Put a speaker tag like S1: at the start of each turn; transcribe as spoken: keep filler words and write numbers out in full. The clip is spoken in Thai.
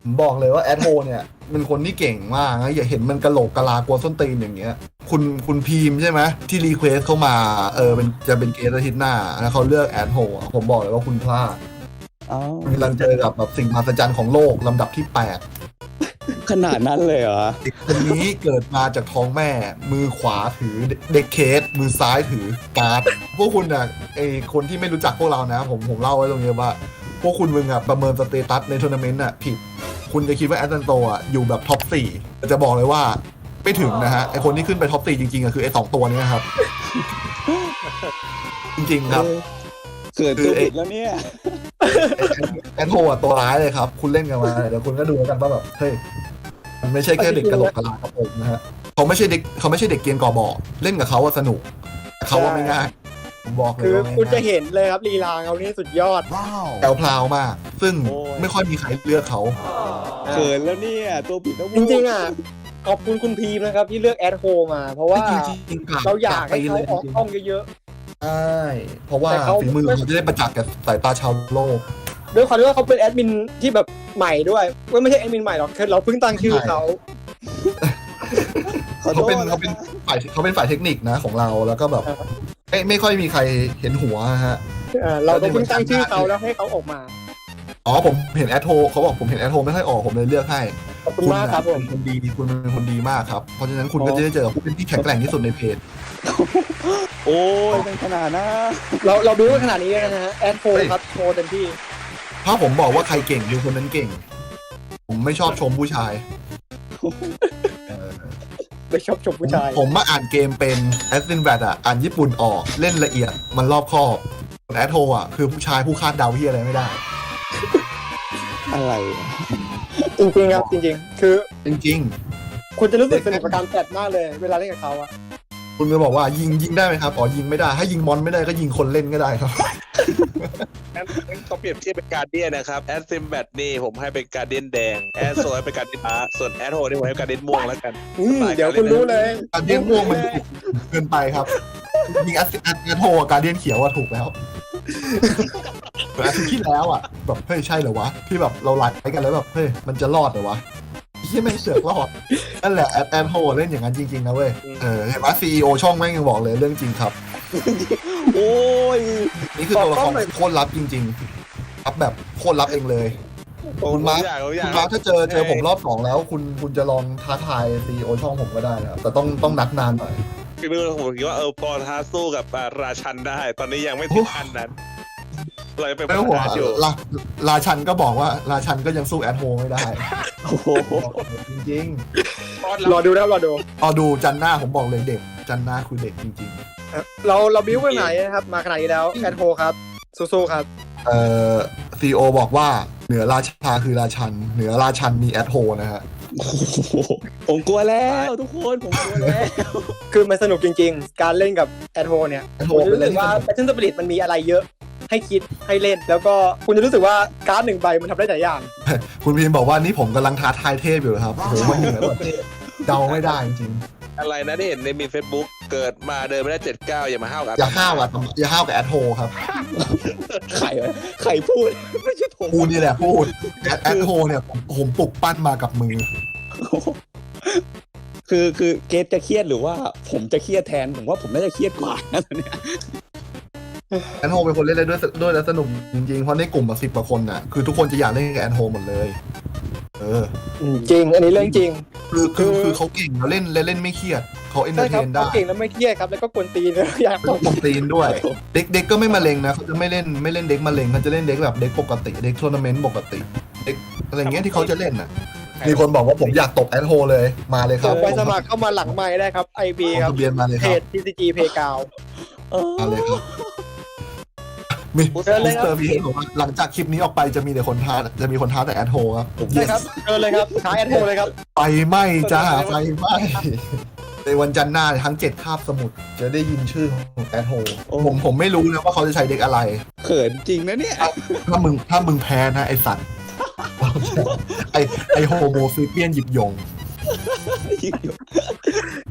S1: ผมบอกเลยว่าแอดโฮเนี่ยเป็นคนที่เก่งมากนะอย่าเห็นมันกะโหลกกะลากลัวส้นตีนอย่างเงี้ยคุณคุณพีมใช่ไหมที่รีเควสเข้ามาเออเป็นจะเป็นเกสอาทิตย์หน้าแล้วเขาเลือกแอดโฮผมบอกเลยว่าคุณพลาด
S2: อ๋อ
S1: คุณกำลังเจอกับแบบสิ่งมหัศจรรย์ของโลกลำดับที่แปด
S2: ขนาดนั้นเลยเหรอ
S1: เด็กคนนี้เกิดมาจากท้องแม่ มือขวาถือเด็กเคส มือซ้ายถือการ์ด พวกคุณอ่ะไอคนที่ไม่รู้จักพวกเรานะ ผมผมเล่าไว้ตรงนี้ว่า พวกคุณมึงอ่ะประเมินสเตตัสในทัวร์นาเมนต์อ่ะผิด คุณจะคิดว่าแอตแลนโตอ่ะอยู่แบบท็อปสี่แต่จะบอกเลยว่าไม่ถึงนะฮะ ไอคนที่ขึ้นไปท็อปสี่จริงๆอ่ะคือไอสองตัวนี้ครับ จริงๆครับ
S2: เกิดตัวผิดแล้วเนี่ย
S1: แอนโทอ่ะตัวร้ายเลยครับ คุณเล่นกันมาเดี๋ยวคุณก็ดูแล้วกันว่าแบบเฮ้ยมันไม่ใช่แค่เด็กกระโหลกกระลาครับผมนะฮะเขาไม่ใช่เด็กเขาไม่ใช่เด็กเกรียนก่อบ่อเล่นกับเขาว่าสนุกแต่เขาว่าไม่ง่ายผมบอกเลย
S3: คือ
S1: ว่าไม่
S3: คุณจะ
S1: ง่าย
S3: เห็นเลยครับลีลาเขานี่สุดยอด
S1: แถวพลาวมาก ซึ่ง
S2: โอ้ย
S1: ไม่ค่อยมีใครเลือกเขา
S2: เขินแล้วเนี่ยตัวผิดแล้ว
S3: จริงๆอ่ะขอบคุณคุณพีมนะครับที่เลือกแอดโฮมา เพราะว่า
S1: จริงๆกลับ
S3: เราอยากให้
S1: ไป
S3: เขา
S1: เลย
S3: ออก
S1: จริง
S3: ห้องเยอะ
S1: ๆใช่เพราะว่า
S3: แต่เขา
S1: ฝีมือเขาจะได้ประจักษ์กับสายตาชาวโลก
S3: ๆด้วยความที่ว่าเขาเป็นแอดมินที่แบบใหม่ด้วยว่าไม่ใช่แอดมินใหม่หรอกคือเราเพิ่งตั้งชื่อเขา
S2: ขอโท
S1: เขา
S2: ษ
S1: เป็น
S2: นะ
S1: เขาเป็นฝ่ายเขาเป็นฝ่ายเทคนิคนะของเราแล้วก็แบบไม่ไม่ค่อยมีใครเห็นหัวฮะ
S3: เอ่อเราก็เพิ่งตั้งชื่อเขาแล้วให้เขาออกมา
S1: อ๋อผมเห็นแอดโทเขาบอกผมเห็นแอดโทไม่ค่อยออกผมเลยเลือกให้
S3: ขอบคุณมากครับผม
S1: เป็นคนดีคุณเป็นคนดีมากครับเพราะฉะนั้นคุณก็จะได้เจอกับผู้เป็นที่แข็งแกร่งที่สุดในเพจ
S2: โอ้ยเป็นขนาดนะ
S3: เราเราดูกันขนาดนี้แล้วนะฮะแอดโฮครับโชว์เต็มที่
S1: ถ้าผมบอกว่าใครเก่งคือคนนั้นเก่ง ผมไม่ชอบชมผู้ชายเออ
S3: ไปชอบชมผู้ชาย
S1: ผมมาอ่านเกมเป็นแอสซินแวดอ่ะอ่านญี่ปุ่นออกเล่นละเอียดมันรอบคอบแอดโทอ่ะคือผู้ชายผู้คาดเดาที่อะไรไม่ได้
S2: อะไร
S3: จริงๆครับจริงๆ คือ
S1: จริง
S3: คุณจะรู้สึกสนุกกับการแฟดมากเลย เวลาเล่นกับเขาอะ
S1: ๆ คุณก็บอกว่ายิงยิงได้ไหมครับอ๋อยิงไม่ได้ถ้ายิงมอนไม่ได้ก็ยิงคนเล่นก็ได้ครับ
S4: งั้นงั้นเขาเปรียบเทียบเป็นการเดียนนะครับแอดซิมแบทนี่ผมให้เป็นการเดียนแดงแอดโซให้เป็นการเดียนฟ้าส่วนแอดโฮนี่ผมให้เป็นการเดียนม่วงแล้วกัน
S3: อืมเดี๋ยวคุณรู้เลย
S1: การเดียนม่วงมันเกินไปครับยิงแอสแอสโทการเดียนเขียวอะถูกแล้วแต่อาทิตย์ที่แล้วอะแบบเฮ้ยใช่เหรอวะที่แบบเราไลฟ์กันแล้วแบบเฮ้ยมันจะรอดเหรอวะที่ไม่งเสือกรอดนั่นแหละแอดแอนโฮเล่นอย่างนั้นจริงๆนะเว้ยเออเห็นว่าซีอีโอช่องแม่งยังบอกเลยเรื่องจริงครับ
S2: โอ้ย
S1: นี่คือตัวละครโคตรลับจริงๆรับแบบโคตรลับเองเลย
S4: ผม
S1: คุณมาร์ค
S4: อยากผมอ
S1: คุ
S4: ยาก
S1: ณมาร์คถ้าเจอเจอผมรอบสองแล้ว คุณคุณจะลองท้าทายซีอีโอช่องผมก็ได้นะครับแต่ต้องต้องนัดนานหน่อย
S4: คือผมคิดว่าเออพอท้าสู้กับอ่าราชันได้ ตอนนี้ยังไม่ถึงขั้นนั้นเรายังเป็น
S1: ไม่ต้องห่วง
S4: ปัญหาอยู่
S1: ราราชันก็บอกว่าราชันก็ยังสู้แอดโฮไม่ได้
S2: โอ้โห
S1: จริง
S3: รอดูนะรอดู
S1: ๆเอาดูจันหน้าผมบอกเลยเด็ก จันหน้าคือเด็กจริง
S3: เราเราบิ้วไปไหนนะครับ มาขนาดนี้แล้วแอดโฮครับสู้ๆครับ
S1: ๆเอ่อซีโอบอกว่าเหนือราชาคือราชัน เหนือราชันมีแอดโฮนะฮะ
S2: โอ้โหผมกลัวแล้วทุกคนผมกลัวแล้ว
S3: คือมันสนุกจริงๆ การเล่นกับแอดโฮเนี่ย
S1: แอดโฮ
S3: ผมจะ
S1: เป็น
S3: รู้
S1: เรื่
S3: สึ
S1: อง
S3: ก
S1: ที่
S3: ว่า
S1: สนุก
S3: แพทเทิร์นสปิริตมันมีอะไรเยอะให้คิดให้เล่น แล้วก็คุณจะรู้สึกว่าการ์ดหนึ่งใบมันทำได้หลายอย่าง
S1: คุณพีมบอกว่านี่ผมกำลังท้าทายเทพอยู่นะครับโอ้โหมันเหนือแบบเดาไม่ได้จริง
S4: อะไรนะที่เห็นในมี Facebook เกิดมาเดินไม่ได้เจ็ดเก้าอย่ามาห้าวกับ
S1: ๆอย่าห้าวอ่ะอย่าห้าวกับแอดโฮครับ
S2: ใครวะใครพูดไม่ใช่ผม
S1: กูนี่แหละพูดแอดแอดโฮเนี่ยผมผมปลุกปั้นมากับมือ
S2: คือคือเกตจะเครียดหรือว่าผมจะเครียดแทนผมว่าผมน่าจะเครียดกว่านะตอนเนี้ย
S1: แอนโฮเป็นคนเล่นได้ด้วยด้วยแล้วสนุกจริงๆ เพราะในกลุ่มแบบสิบกว่าคนน่ะคือทุกคนจะอยากเล่นกับแอนโฮหมดเลย เออ
S3: จริง อันนี้เรื่องจริง
S1: คือคือ
S3: คือ
S1: คือเขาเก่งแล้วเล่นเล่นเล่นไม่เครียดเขาเอนเตอ
S3: ใช่
S1: ร์เท
S3: ครับ
S1: น
S3: เขา
S1: ได้
S3: เก่งแล้วไม่เครียดครับ แล้วก็กวนตีน อยาก
S1: เป็นคนตีนด้วย เด็กเด็กก็ไม่มาเลงนะเขาจะไม่เล่นไม่เล่นเด็กมาเลงเขาจะเล่นเด็กแบบเด็กปกติเด็กทัวร์นาเมนต์ปกติเด็กอะไรเงี้ยที่เขาจะเล่นน่ะมีคนบอกว่าผมอยากตบแอนโฮเลยมาเลยค
S3: ส่
S1: รับ
S3: งไปสมัครเข้ามาหลังไม้ได้ครับ ไอ บี
S1: ลง
S3: ครับ
S1: ทะเบียนมาเลย
S3: เพ
S1: ครับ
S3: จ ที ซี จี Playground
S2: เออ
S1: มาเลยครับมี
S3: เชิญเลย
S1: มิส
S3: ครับ
S1: เตอร์พีเอบอกว่าหลังจากคลิปนี้ออกไปจะมีแต่คนท้าจะมีคนท้าแต่แอนโฮครับ
S3: ใช่ครับเชิญเลยครับท้ายแอดโฮเลยครับ
S1: ไฟไหม้จ้าไฟไหม้ในวันจันทร์หน้าทั้งเจ็ดคาบสมุทรจะได้ยินชื่อของแอดโฮผมผมไม่รู้นะว่าเขาจะใช้เด็กอะไร
S2: เขินจริงนะเนี่ย
S1: ถ้ามึงถ้ามึงแพ้นะไอสัตว์ ไอไอโฮโมฟิเปียนหยิบยง